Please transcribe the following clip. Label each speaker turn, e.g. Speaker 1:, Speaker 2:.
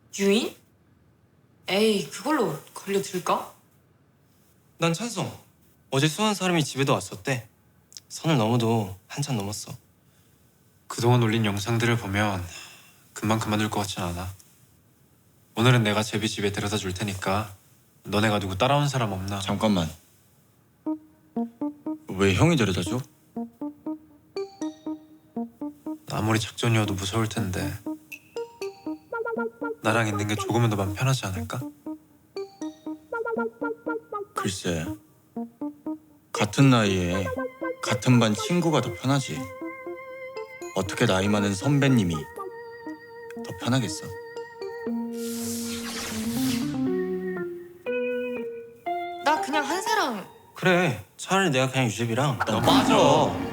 Speaker 1: 유인? 에이, 그걸로 걸려들까?
Speaker 2: 난 찬성. 어제 수한 사람이 집에도 왔었대. 선을 넘어도 한참 넘었어.
Speaker 3: 그동안 올린 영상들을 보면 금방 그만둘 것 같진 않아. 오늘은 내가 제비 집에 데려다 줄 테니까 너네가 누구 따라온 사람 없나?
Speaker 4: 잠깐만. 왜 형이 데려다 줘?
Speaker 3: 아무리 작전이어도 무서울 텐데 나랑 있는 게 조금은 더 마음 편하지 않을까?
Speaker 4: 글쎄, 같은 나이에 같은 반 친구가 더 편하지. 어떻게 나이 많은 선배님이 더 편하겠어?
Speaker 1: 나 그냥 한세랑
Speaker 2: 그래, 차라리 내가 그냥 유재비랑
Speaker 4: 너 빠져.